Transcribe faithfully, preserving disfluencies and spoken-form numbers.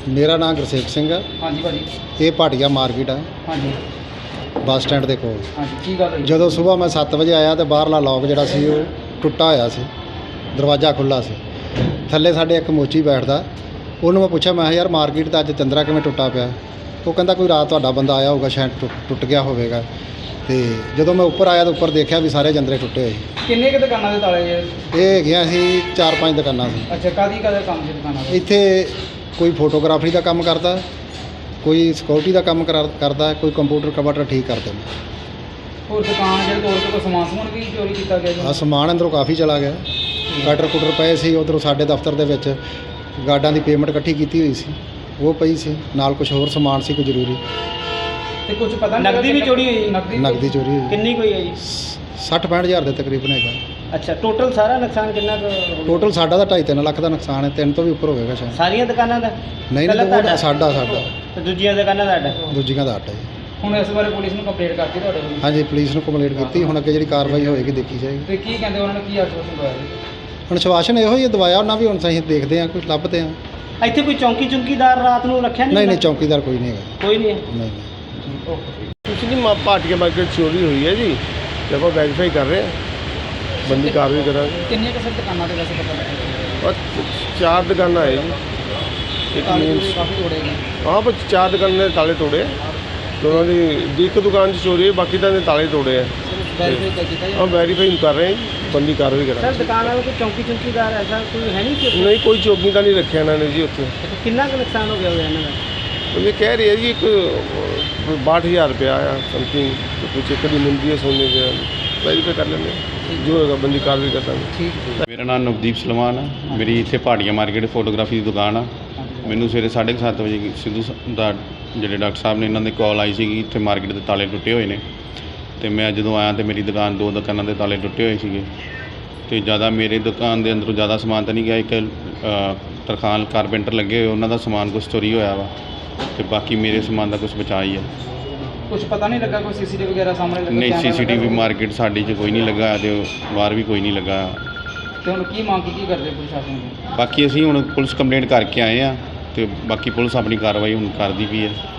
ਮੇਰਾ ਨਾਮ ਗੁਰਸੇਵਕ ਸਿੰਘ ਆ। ਹਾਂਜੀ ਭਾਜੀ। ਇਹ ਭਾਟੀਆ ਮਾਰਕੀਟ ਆ ਹਾਂਜੀ ਬੱਸ ਸਟੈਂਡ ਦੇ ਕੋਲ। ਹਾਂਜੀ ਕੀ ਗੱਲ ਹੋਈ? ਜਦੋਂ ਸਵੇਰ ਮੈਂ ਸੱਤ ਵਜੇ ਆਇਆ ਤੇ ਬਾਹਰਲਾ ਲੋਕ ਜਿਹੜਾ ਸੀ ਉਹ ਟੁੱਟਾ ਹੋਇਆ ਸੀ, ਦਰਵਾਜ਼ਾ ਖੁੱਲ੍ਹਾ ਸੀ। ਥੱਲੇ ਸਾਡੇ ਇੱਕ ਮੋਚੀ ਬੈਠਦਾ, ਉਹਨੂੰ ਮੈਂ ਪੁੱਛਿਆ, ਮੈਂ ਕਿਹਾ ਯਾਰ ਮਾਰਕੀਟ ਦਾ ਅੱਜ ਚੰਦਰਾ ਕਿਵੇਂ ਟੁੱਟਾ ਪਿਆ? ਉਹ ਕਹਿੰਦਾ ਕੋਈ ਰਾਤ ਤੁਹਾਡਾ ਬੰਦਾ ਆਇਆ ਹੋਊਗਾ, ਸ਼ਾਇਦ ਟੁੱਟ ਟੁੱਟ ਗਿਆ ਹੋਵੇਗਾ। ਤੇ ਜਦੋਂ ਮੈਂ ਉੱਪਰ ਆਇਆ ਤਾਂ ਉੱਪਰ ਦੇਖਿਆ ਵੀ ਸਾਰੇ ਜੰਦਰੇ ਟੁੱਟੇ ਹੋਏ ਸੀ। ਕਿੰਨੇ ਕੁ ਦੁਕਾਨਾਂ ਦੇ ਤਾਲੇ ਜੇ? ਇਹ ਹੈਗੀਆਂ ਸੀ ਚਾਰ ਪੰਜ ਦੁਕਾਨਾਂ ਸੀ। ਅੱਛਾ, ਕਾਦੀ ਕਾਦਾ ਕੰਮ ਸੀ ਦੁਕਾਨਾਂ ਦਾ? ਇੱਥੇ ਕੋਈ ਫੋਟੋਗ੍ਰਾਫਰੀ ਦਾ ਕੰਮ ਕਰਦਾ, ਕੋਈ ਸਿਕਿਉਰਿਟੀ ਦਾ ਕੰਮ ਕਰਾ- ਕਰਦਾ, ਕੋਈ ਕੰਪਿਊਟਰ ਕੰਪਿਊਟਰ ਠੀਕ ਕਰਦੇ ਨੇ। ਹੋਰ ਦੁਕਾਨ ਜਿਹੜੇ ਤੋੜ ਕੇ ਕੋਈ ਸਮਾਨ ਸਮੂਨ ਵੀ ਚੋਰੀ ਕੀਤਾ ਗਿਆ ਜੀ? ਆ ਸਮਾਨ ਅੰਦਰੋਂ ਕਾਫੀ ਚਲਾ ਗਿਆ। ਕਟਰ ਕੁਟਰ ਪਏ ਸੀ ਉੱਧਰੋਂ, ਸਾਡੇ ਦਫ਼ਤਰ ਦੇ ਵਿੱਚ ਗਾਰਡਾਂ ਦੀ ਪੇਮੈਂਟ ਇਕੱਠੀ ਕੀਤੀ ਹੋਈ ਸੀ, ਉਹ ਪਈ ਸੀ ਨਾਲ। ਕੁਝ ਹੋਰ ਸਮਾਨ ਸੀ ਕੋਈ ਜ਼ਰੂਰੀ। ਤੇ ਕੁਝ ਪਤਾ ਨਹੀਂ ਨਕਦੀ ਵੀ ਚੋਰੀ ਹੋਈ? ਨਕਦੀ ਨਕਦੀ ਚੋਰੀ ਹੋਈ ਕਿੰਨੀ ਕੋਈ ਹੈ ਜੀ? ਸੱਠ ਪੈਂਹਠ ਹਜ਼ਾਰ ਦੇ ਤਕਰੀਬਨ ਹੈਗਾ। ਅੱਛਾ, ਟੋਟਲ ਸਾਰਾ ਨੁਕਸਾਨ ਕਿੰਨਾ ਕੁ ਹੋ ਗਿਆ? ਟੋਟਲ ਸਾਡਾ ਤਾਂ ਢਾਈ ਤਿੰਨ ਲੱਖ ਦਾ ਨੁਕਸਾਨ ਹੈ, ਤਿੰਨ ਤੋਂ ਵੀ ਉੱਪਰ ਹੋਵੇਗਾ ਸ਼ਾਇਦ। ਸਾਰੀਆਂ ਦੁਕਾਨਾਂ ਦਾ? ਨਹੀਂ ਪਹਿਲਾਂ ਨਹੀਂ, ਉਹ ਤੁਹਾਡਾ? ਸਾਡਾ ਸਾਡਾ ਤੇ ਦੂਜੀਆਂ ਦੁਕਾਨਾਂ ਦਾ ਅੱਡ? ਦੂਜੀਆਂ ਦਾ ਆਟਾ ਜੀ। ਹੁਣ ਇਸ ਬਾਰੇ ਪੁਲਿਸ ਨੂੰ ਕੰਪਲੇਂਟ ਕਰਤੀ ਤੁਹਾਡੇ ਕੋਲ? ਹਾਂਜੀ, ਪੁਲਿਸ ਨੂੰ ਕੰਪਲੇਂਟ ਕੀਤੀ, ਹੁਣ ਅੱਗੇ ਜਿਹੜੀ ਕਾਰਵਾਈ ਹੋਏਗੀ ਦੇਖੀ ਜਾਏਗੀ। ਤੇ ਕੀ ਕਹਿੰਦੇ ਉਹਨਾਂ ਨੇ, ਕੀ ਆਸ਼ਵਾਸਨ ਦਵਾਇਆ ਜੀ? ਹੁਣ ਸ਼ਵਾਸ਼ਨ ਇਹੋ ਹੀ ਦਵਾਇਆ ਉਹਨਾਂ ਵੀ, ਹੁਣ ਅਸੀਂ ਦੇਖਦੇ ਹਾਂ, ਕੁਝ ਲੱਭਦੇ ਹਾਂ। ਇੱਥੇ ਕੋਈ ਚੌਂਕੀ ਚੁੰਕੀਦਾਰ ਰਾਤ ਨੂੰ ਰੱਖਿਆ ਨਹੀਂ? ਨਹੀਂ ਨਹੀਂ, ਚੌਕੀਦਾਰ ਕੋਈ ਨਹੀਂ ਹੈਗਾ। ਕੋਈ ਨਹੀਂ ਹੈ? ਨਹੀਂ ਨਹੀਂ। ਓਕੇ। कुछ नहीं, माँ भाटिया मार्केट चोरी हुई है जी, जब वो वेरीफाई कर रहे हैं, बंदी कार्रवाई करा। ਕਿੰਨੀਆਂ ਕੁ ਸਰ ਦੁਕਾਨਾਂ ਦੇ ਵੈਸੇ ਪਤਾ ਲੱਗਿਆ? और चार दुकाना है जी, एक ਤਾਲੇ मेन ਤੂਲੇ ਕਾਫੀ ਤੋੜੇ ਗਏ। हाँ पर चार दुकान ने ताले तोड़े। दोनों की एक दुकान से चोरी है, बाकी तो ताले तोड़े हैं। ਵੈਰੀਫਾਈ ਕਰ ਦਿੱਤਾ ਜੀ? हम वेरीफाई कर रहे हैं जी, बंदी कार्रवाई करा। ਸਰ ਦੁਕਾਨ ਵਾਲੇ ਕੋਈ ਚੌਂਕੀ ਚੁੰਕੀਦਾਰ ਐਸਾ ਕੋਈ ਹੈ ਨਹੀਂ ਕਿ? नहीं कोई चौकी का नहीं रखे इन्होंने जी उत्थे। ਕਿੰਨਾ ਕੁ ਨੁਕਸਾਨ ਹੋ ਗਿਆ ਹੋਇਆ ਇਹਨਾਂ ਦਾ? तो ये कह रही है जी एक बाठ हज़ार रुपया आया समथिंग, तो कुछ एक कड़ी मिलती है सोने के, वेरीफाई कर लेंगे, जो होगा बंदी कार्रवाई कर देंगे। ਠੀਕ ਹੈ। ਮੇਰਾ ਨਾਮ ਨਵਦੀਪ ਸਲਮਾਨ ਆ। ਮੇਰੀ ਇੱਥੇ ਭਾਟੀਆ ਮਾਰਕੀਟ ਫੋਟੋਗ੍ਰਾਫੀ ਦੀ ਦੁਕਾਨ ਆ। ਮੈਨੂੰ ਸਵੇਰੇ ਸਾਢੇ ਕੁ ਸੱਤ ਵਜੇ ਸਿੱਧੂ ਸ- ਦਾ ਜਿਹੜੇ ਡਾਕਟਰ ਸਾਹਿਬ ਨੇ, ਇਹਨਾਂ ਦੇ ਕਾਲ ਆਈ ਸੀਗੀ ਇੱਥੇ ਮਾਰਕੀਟ ਦੇ ਤਾਲੇ ਟੁੱਟੇ ਹੋਏ ਨੇ। ਅਤੇ ਮੈਂ ਜਦੋਂ ਆਇਆ ਤਾਂ ਮੇਰੀ ਦੁਕਾਨ, ਦੋ ਦੁਕਾਨਾਂ ਦੇ ਤਾਲੇ ਟੁੱਟੇ ਹੋਏ ਸੀਗੇ। ਅਤੇ ਜ਼ਿਆਦਾ ਮੇਰੇ ਦੁਕਾਨ ਦੇ ਅੰਦਰੋਂ ਜ਼ਿਆਦਾ ਸਮਾਨ ਤਾਂ ਨਹੀਂ ਗਿਆ। ਇੱਕ ਅ, ਤਰਖਾਨ ਕਾਰਪੈਂਟਰ ਲੱਗੇ ਹੋਏ, ਉਹਨਾਂ ਦਾ ਸਮਾਨ ਕੁਛ ਚੋਰੀ ਹੋਇਆ ਵਾ, ਅਤੇ ਬਾਕੀ ਮੇਰੇ ਸਮਾਨ ਦਾ ਕੁਛ ਬਚਾ ਹੀ ਆ। ਕੁਝ ਪਤਾ ਨਹੀਂ ਲੱਗਾ ਕੋਈ ਸੀਸੀਟੀਵੀ ਵਗੈਰਾ ਸਾਹਮਣੇ ਲੱਗਾ? ਨਹੀਂ, ਕੈਮਰਾ ਸੀ ਸੀ ਟੀ ਵੀ ਲੱਗਾ? ਮਾਰਕੀਟ ਸਾਡੀ 'ਚ ਕੋਈ ਨਹੀਂ ਲੱਗਾ ਅਤੇ ਬਾਹਰ ਵੀ ਕੋਈ ਨਹੀਂ ਲੱਗਾ। ਤੇ ਹੁਣ ਕੀ ਮੰਗ ਕੀ ਕਰਦੇ ਪ੍ਰਸ਼ਾਸਨ ਨੂੰ? ਬਾਕੀ ਅਸੀਂ ਹੁਣ ਪੁਲਿਸ ਕੰਪਲੇਂਟ ਕਰਕੇ ਆਏ ਆ, ਅਤੇ ਬਾਕੀ ਪੁਲਿਸ ਆਪਣੀ ਕਾਰਵਾਈ ਹੁਣ ਕਰਦੀ ਪਈ ਹੈ।